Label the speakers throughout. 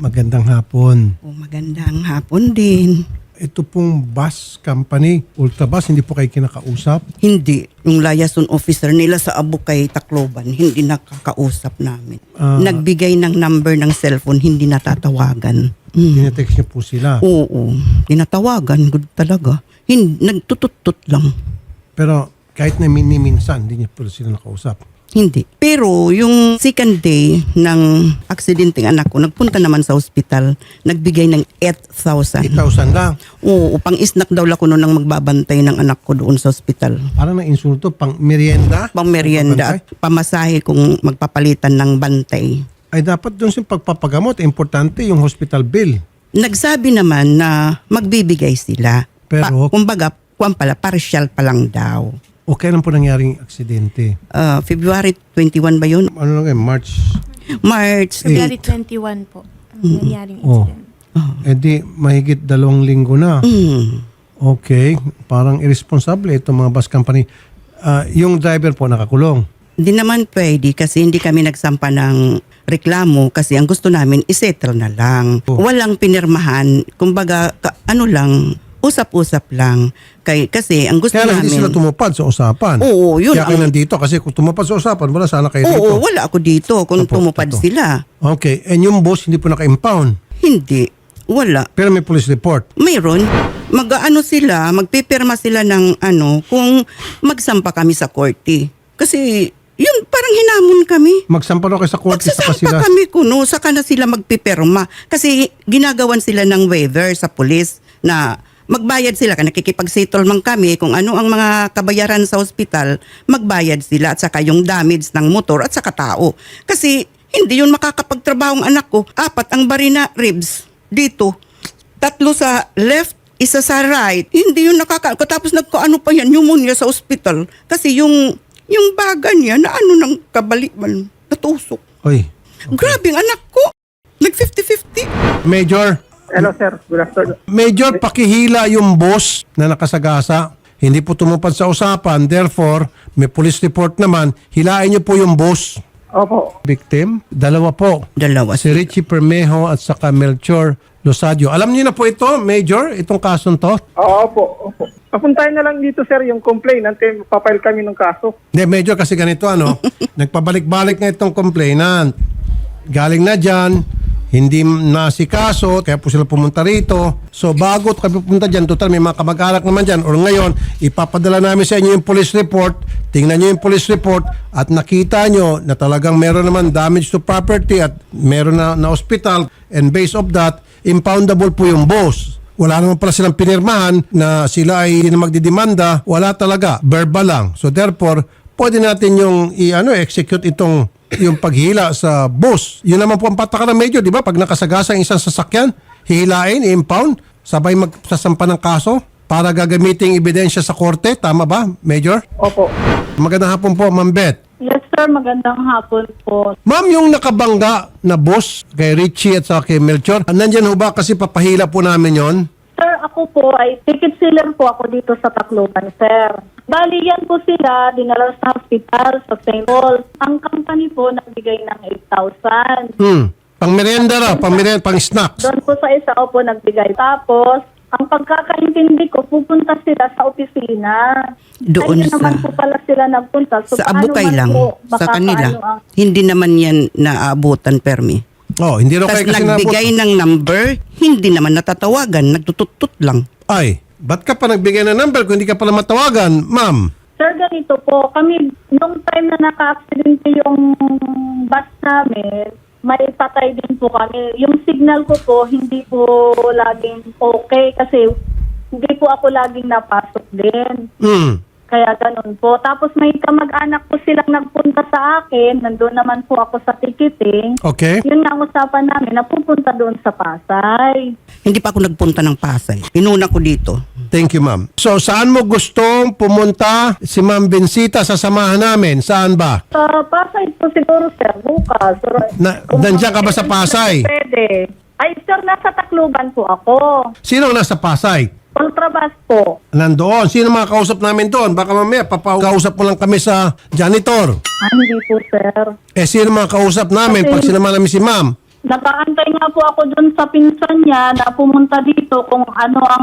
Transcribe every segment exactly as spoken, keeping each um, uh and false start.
Speaker 1: Magandang hapon.
Speaker 2: O, magandang hapon din.
Speaker 1: Ito pong bus company, Ultrabus, hindi po kayo kinakausap?
Speaker 2: Hindi. Yung liaison officer nila sa Abukay, Tacloban, hindi nakakausap namin.
Speaker 1: Ah.
Speaker 2: Nagbigay ng number ng cellphone, hindi natatawagan. Mm.
Speaker 1: Tinetext niyo po sila.
Speaker 2: Oo. Tinatawagan. Good talaga. Hindi, nagtutut-tut lang.
Speaker 1: Pero kahit na mini-minsan, hindi niyo po sila nakausap.
Speaker 2: Hindi. Pero yung second day ng aksidenteng anak ko, nagpunta naman sa ospital, nagbigay ng eight thousand.
Speaker 1: eight thousand lang.
Speaker 2: Oo, pang isnak daw ako noon ang magbabantay ng anak ko doon sa ospital.
Speaker 1: Parang na-insulto, pang merienda.
Speaker 2: Pang merienda at pamasahe kung magpapalitan ng bantay.
Speaker 1: Ay dapat doon sa pagpapagamot, importante yung hospital bill.
Speaker 2: Nagsabi naman na magbibigay sila.
Speaker 1: Pero-
Speaker 2: kumbaga, kuwan pala, partial pa lang daw.
Speaker 1: O kailan po nangyaring aksidente?
Speaker 2: Uh, February twenty-one ba yun?
Speaker 1: Ano lang eh, March?
Speaker 2: March
Speaker 3: February
Speaker 2: eight.
Speaker 3: twenty-one po. Ang nangyaring
Speaker 1: Oh.
Speaker 3: incident.
Speaker 1: Eh di, mahigit dalawang linggo na.
Speaker 2: Mm.
Speaker 1: Okay, parang irresponsible itong mga bus company. Ah, yung driver po nakakulong.
Speaker 2: Hindi naman pwede kasi hindi kami nagsampa ng reklamo kasi ang gusto namin isettle na lang.
Speaker 1: Oh.
Speaker 2: Walang pinirmahan. Kumbaga, ka, ano lang, usap-usap lang. Kay, kasi ang gusto
Speaker 1: Kaya lang
Speaker 2: namin...
Speaker 1: hindi sila tumupad sa usapan.
Speaker 2: Oo, yun
Speaker 1: Kaya kayo
Speaker 2: ang-
Speaker 1: nandito kasi kung tumupad sa usapan, wala sana kayo dito.
Speaker 2: Oo, wala ako dito kung
Speaker 1: Opo,
Speaker 2: tumupad
Speaker 1: totoo.
Speaker 2: sila.
Speaker 1: Okay, and yung boss hindi po naka-impound.
Speaker 2: Hindi. Wala.
Speaker 1: Pero may police report.
Speaker 2: Mayroon. Mag-ano sila, magpipirma sila ng ano, kung magsampa kami sa korte. Kasi, yun, parang hinamon kami.
Speaker 1: Magsampa raw kayo sa korte sa
Speaker 2: Magsasampa
Speaker 1: sila.
Speaker 2: kami kuno, saka na sila magpipirma. Kasi ginagawan sila ng waiver sa pulis na magbayad sila. Kaya nakikipag-settlement kami kung ano ang mga kabayaran sa ospital, magbayad sila at saka yung damage ng motor at saka tao. Kasi hindi yun makakapagtrabaho ang anak ko. Apat ang barina ribs dito. Tatlo sa left, isa sa right. Hindi yun nakaka... Tapos nagkaano pa yan, pneumonia sa ospital. Kasi yung yung baga niya na ano ng kabaliman, natusok.
Speaker 1: Oy.
Speaker 2: Grabe ang anak ko. Nag fifty-fifty.
Speaker 1: Major,
Speaker 4: Hello sir, good afternoon.
Speaker 1: Major, pakihila yung boss na nakasagasa. Hindi po tumupad sa usapan. Therefore, may police report naman. Hilain niyo po yung boss.
Speaker 4: Opo.
Speaker 1: Victim, dalawa po.
Speaker 2: Dalawa.
Speaker 1: Si Richie Permejo at saka Melchor Losadio. Alam niyo na po ito, Major, itong kasong to?
Speaker 4: Oo, opo, opo. Papuntahin na lang dito sir yung complainant, eh, papile kami ng kaso.
Speaker 1: Hindi, Major, kasi ganito ano, nagpabalik-balik na itong complainant. Galing na dyan, hindi nasikaso, kaya po sila pumunta rito. So bago kami pupunta dyan, total may mga kamag-anak naman dyan, or ngayon, ipapadala namin sa inyo yung police report, tingnan nyo yung police report, at nakita nyo na talagang meron naman damage to property at meron na, na hospital, and based of that, impoundable po yung boss. Wala naman pala silang pinirmahan na sila ay hindi na magdidemanda, wala talaga, verbal lang. So therefore, pwede natin yung i-ano, execute itong yung paghila sa boss. Yun naman po ang patakaran, Major, di ba? Pag nakasagasa ang isang sasakyan, hihilain, i-impound, sabay magsasampa ng kaso para gagamitin ebidensya sa korte. Tama ba, Major?
Speaker 4: Opo.
Speaker 1: Magandang hapon po, Ma'am Beth.
Speaker 5: Yes sir, magandang hapon po.
Speaker 1: Ma'am, yung nakabangga na boss kay Richie at sa kay Melchor, nandyan ho ba kasi papahila po namin yon?
Speaker 5: Sir, ako po ay ticket sealer po ako dito sa Tacloban, sir. Bali yan po sila, dinala sa hospital, sa Saint Paul. Ang company po nagbigay ng eight thousand.
Speaker 1: Hmm. Pang merienda raw, pang merienda, pang snacks.
Speaker 5: Doon po sa isa ko po nagbigay. Tapos, ang pagkakaintindi ko, pupunta sila sa opisina.
Speaker 2: Doon
Speaker 5: Ayun
Speaker 2: sa-
Speaker 5: naman po pala sila nagpunta. So,
Speaker 2: Sa
Speaker 5: paano
Speaker 2: Abukay
Speaker 5: man
Speaker 2: lang.
Speaker 5: po,
Speaker 2: Sa
Speaker 5: baka
Speaker 2: kanila.
Speaker 5: paano ang-
Speaker 2: Hindi naman yan naaabutan, permi.
Speaker 1: Oh, hindi raw
Speaker 2: Tapos
Speaker 1: kayo kasi
Speaker 2: nagbigay
Speaker 1: nabot.
Speaker 2: ng number, hindi naman natatawagan, nagtutut-tut lang.
Speaker 1: Ay, ba't ka pa nagbigay ng number kung hindi ka pala matawagan, ma'am?
Speaker 5: Sir, ganito po, kami, nung time na naka-accidente yung bus namin, may patay din po kami. Yung signal ko po, hindi po laging okay kasi hindi po ako laging napasok din.
Speaker 1: Hmm.
Speaker 5: Kaya ganun po. Tapos may kamag-anak po silang nagpunta sa akin. Nandun naman po ako sa ticketing.
Speaker 1: Okay.
Speaker 5: Yun nga ang usapan namin, napupunta doon sa Pasay.
Speaker 2: Hindi pa ako nagpunta ng Pasay. Pinuna ko dito.
Speaker 1: Thank you, ma'am. So, saan mo gustong pumunta si Ma'am Bensita sa samahan namin? Saan ba?
Speaker 5: Sa Pasay po siguro, sir, bukas.
Speaker 1: Na-
Speaker 5: Kung
Speaker 1: nandiyan ka ba sa Pasay?
Speaker 5: Pwede. Ay, sir, nasa Tacloban po ako.
Speaker 1: Sino ang nasa Pasay?
Speaker 5: Ultrabus po.
Speaker 1: Nandoon. Sino mga kausap namin doon? Baka mamaya, papakausap mo lang kami sa janitor.
Speaker 5: Ah, hindi po, sir.
Speaker 1: Eh, sino mga kausap namin
Speaker 5: Kasi-
Speaker 1: pag sinama namin si ma'am?
Speaker 5: Nakaantay nga po ako dun sa pinsan niya na pumunta dito kung ano ang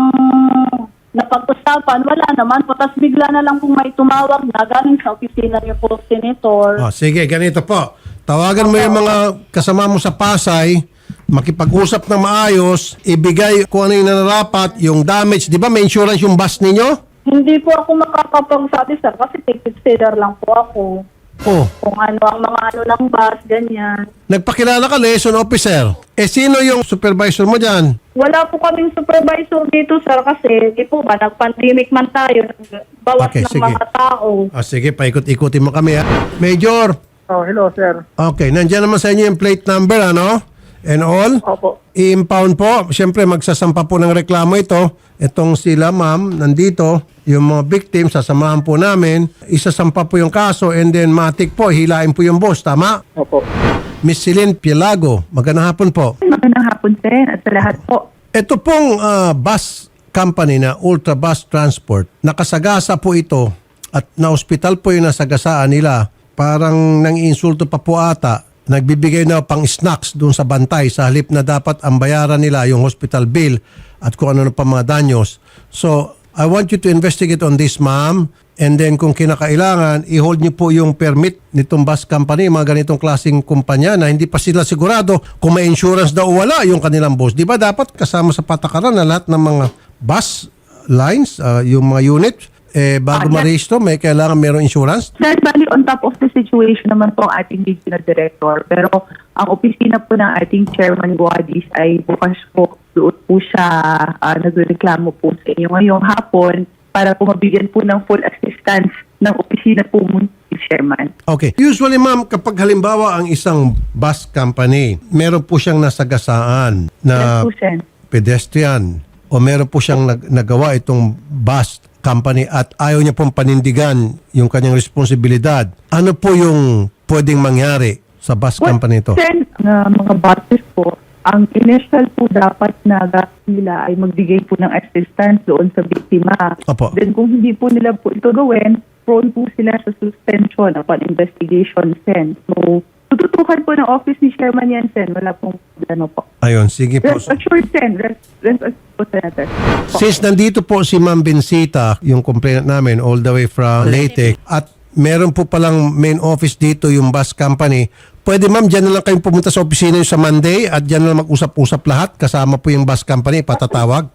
Speaker 5: napag-usapan. Wala naman po. Tapos bigla na lang kung may tumawag na galing sa opisina niyo po, Senator.
Speaker 1: Oh, sige, ganito po. Tawagan mo yung mga kasama mo sa Pasay, makipag-usap ng maayos, ibigay kung ano yung nararapat, yung damage. Di ba may insurance yung bus ninyo?
Speaker 5: Hindi po ako makakapagsabi, sir, kasi ticket seller lang po ako.
Speaker 1: Oh,
Speaker 5: Kung ano ang mga ano ng bus, ganyan.
Speaker 1: nagpakilala ka, liaison officer. Eh, sino yung supervisor mo dyan?
Speaker 5: Wala po kaming supervisor dito, sir, kasi di po ba, nag-pandemic man tayo, bawas
Speaker 1: Okay,
Speaker 5: ng
Speaker 1: sige.
Speaker 5: mga tao.
Speaker 1: Ah, sige, paikot-ikutin mo kami ha. Major,
Speaker 4: Oh, hello, sir.
Speaker 1: okay, nandiyan naman sa inyo yung plate number, ano? And all?
Speaker 4: Opo.
Speaker 1: I-impound po. Siyempre, magsasampa po ng reklamo ito. Itong sila, ma'am, nandito. Yung mga victims, sasamahan po namin. Isasampa po yung kaso and then matik po, hilain po yung boss. Tama?
Speaker 4: Opo.
Speaker 1: Miss Celine Pielago, magandang hapon po.
Speaker 6: Magandang hapon sir at sa lahat po.
Speaker 1: Ito pong ah, bus company na Ultra Bus Transport, nakasagasa po ito at na-hospital po yung nasagasaan nila. Parang nang-insulto pa po ata. Nagbibigay na pang snacks doon sa bantay sa halip na dapat ang bayaran nila yung hospital bill at kung ano pa mga danyos. So, I want you to investigate on this, ma'am. And then kung kinakailangan, i-hold niyo po yung permit nitong bus company, mga ganitong klaseng kumpanya na hindi pa sila sigurado kung may insurance daw o wala yung kanilang boss. Di ba dapat kasama sa patakaran na lahat ng mga bus lines, uh, yung mga unit, eh, bago ma-register, may kailangan mayroong insurance?
Speaker 6: Sir, bali on top of the situation naman po ang ating regional director. Pero ang opisina po ng ating chairman Guadis ay bukas po doon po siya uh, nagreklamo po sa inyo ngayong hapon para po mabigyan po ng full assistance ng opisina po mo ni chairman.
Speaker 1: Okay. Usually, ma'am, kapag halimbawa ang isang bus company, meron po siyang nasagasaan na
Speaker 6: Yes po, sir.
Speaker 1: pedestrian o meron po siyang nag- nagawa itong bus company at ayaw niya pong panindigan yung kanyang responsibilidad. Ano po yung pwedeng mangyari sa bus company ito?
Speaker 6: Sir, uh, mga buses po, ang initial po dapat na gastos nila ay magbigay po ng assistance doon sa biktima.
Speaker 1: Opo.
Speaker 6: Then kung hindi po nila po ito gawin, prone po sila sa suspension upon investigation, Sen. So, tututukan po ng office ni Chairman yan, Sen. Wala pong ano po.
Speaker 1: Ayun, sige po.
Speaker 6: Rest assured, Sen. Rest, rest assured po, Senator. Po.
Speaker 1: Since nandito po si Ma'am Bensita, yung complainant namin all the way from Leyte, at meron po palang main office dito yung bus company, pwede ma'am, dyan na lang kayong pumunta sa opisina yung sa Monday at dyan na lang mag-usap-usap lahat kasama po yung bus company, patatawag.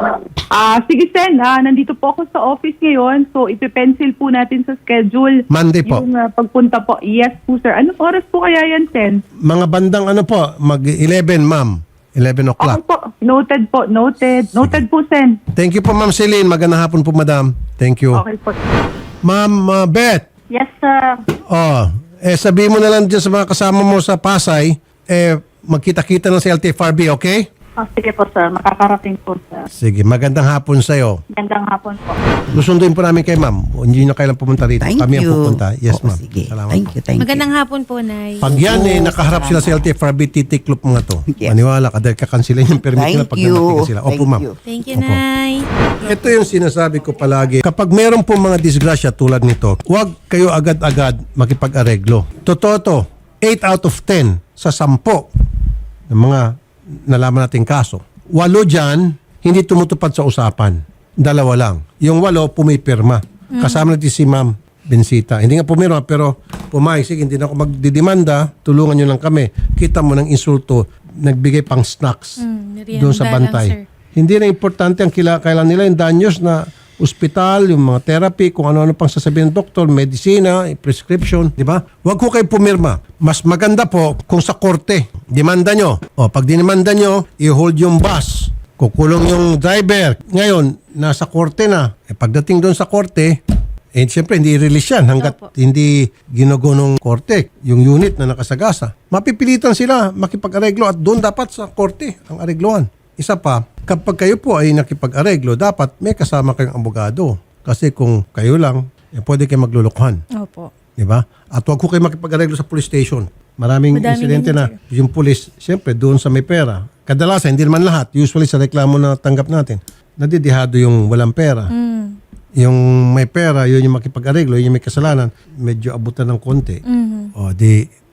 Speaker 6: Ah, sige, Sen. Ah, nandito po ako sa office ngayon. So, ipipencil po natin sa schedule.
Speaker 1: Monday po.
Speaker 6: Yung ah, pagpunta po. Yes po, sir. Anong oras po kaya yan, Sen?
Speaker 1: Mga bandang ano po, mag eleven ma'am, eleven
Speaker 6: Okay
Speaker 1: o'clock.
Speaker 6: po. Noted po. Noted. Noted po, Sen.
Speaker 1: Thank you po Ma'am Celine, magandang hapon po madam. Thank you.
Speaker 6: Okay po.
Speaker 1: Ma'am uh, Beth,
Speaker 5: Yes, sir.
Speaker 1: oh, eh sabihin mo na lang dyan sa mga kasama mo sa Pasay, eh magkita-kita na sa L T F R B, okay?
Speaker 5: Oh, sige po, sir. Makakarating po, sir.
Speaker 1: Sige, magandang hapon sa'yo.
Speaker 5: Gandang hapon po.
Speaker 1: Susunduin po namin kay ma'am. Hindi na kailan pumunta rito.
Speaker 2: Thank
Speaker 1: Kami ang
Speaker 2: you.
Speaker 1: pupunta. Yes,
Speaker 2: Oo,
Speaker 1: ma'am.
Speaker 2: sige.
Speaker 1: Salamat
Speaker 2: Thank
Speaker 1: po.
Speaker 2: you, thank
Speaker 3: Magandang
Speaker 2: you.
Speaker 3: hapon po, Nay.
Speaker 1: Pag yan eh, nakaharap sila sa L T F R B, titiklop mga to.
Speaker 2: Yes.
Speaker 1: Maniwala ka dahil kakansilan yung permit nila
Speaker 2: Thank
Speaker 1: pag
Speaker 2: you.
Speaker 1: nanapigan sila. Opo,
Speaker 2: Thank
Speaker 1: ma'am.
Speaker 2: you.
Speaker 3: Thank you,
Speaker 1: Opo.
Speaker 3: Nay.
Speaker 1: Ito yung sinasabi ko palagi. Kapag meron po mga disgrasya tulad nito, huwag kayo agad-agad makipag-areglo. Totoo to, eight out of ten sa sampo ng mga nalaman nating kaso. Walo dyan, hindi tumutupad sa usapan. Dalawa lang. Yung walo, pumipirma. Kasama natin si Ma'am Bensita. Hindi nga pumirma, pero pumayag. Sige, hindi na ako magdidemanda. Tulungan nyo lang kami. Kita mo ng insulto, nagbigay pang snacks
Speaker 3: Mm, merienda
Speaker 1: doon sa
Speaker 3: lang,
Speaker 1: bantay.
Speaker 3: sir.
Speaker 1: Hindi na importante ang kila, kailan nila yung danyos na ospital, yung mga therapy, kung ano-ano pang sasabihin ng doktor, medisina, prescription, di ba? Huwag ko kayo pumirma. Mas maganda po kung sa korte, demanda nyo. O, pag dinimanda nyo, i-hold yung bus. Kukulong yung driver. Ngayon, nasa korte na. E pagdating doon sa korte, eh siyempre hindi i-release yan hanggat
Speaker 3: Opo.
Speaker 1: hindi ginugunong korte, yung unit na nakasagasa. Mapipilitan sila makipag-areglo at doon dapat sa korte ang areglohan. Isa pa, kapag kayo po ay nakipag-areglo, dapat may kasama kayong abogado. Kasi kung kayo lang, eh, pwede kayo maglulukuhan.
Speaker 3: Opo.
Speaker 1: Di ba? At huwag ko kayo makipag-areglo sa police station. Maraming
Speaker 3: Madami
Speaker 1: insidente
Speaker 3: din,
Speaker 1: na
Speaker 3: sir.
Speaker 1: yung police, siyempre, doon sa may pera. Kadalasan, hindi naman lahat. Usually sa reklamo na tanggap natin, nadidihado yung walang pera.
Speaker 3: Mm.
Speaker 1: Yung may pera, yun yung makipag-areglo, yun yung may kasalanan, medyo abutan ng konti.
Speaker 3: Mhm.
Speaker 1: O, di,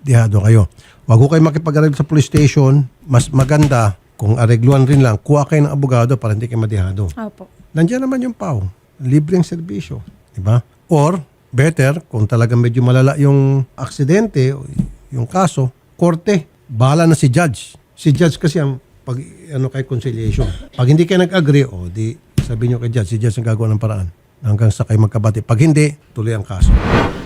Speaker 1: dihado kayo. Wag ko kayo makipag-areglo sa police station. Mas maganda kung aregluan rin lang, kuha kayo ng abogado para hindi kayo madihado.
Speaker 3: Opo.
Speaker 1: Nandiyan naman yung P A W. Libreng serbisyo. Diba? Or, better, kung talagang medyo malala yung aksidente, yung kaso, korte, bahala na si judge. Si judge kasi ang pag, ano, kay conciliation. Pag hindi kayo nag-agree, o di sabihin nyo kay judge, si judge ang gagawa ng paraan hanggang sa kayo magkabati. Pag hindi, tuloy ang kaso.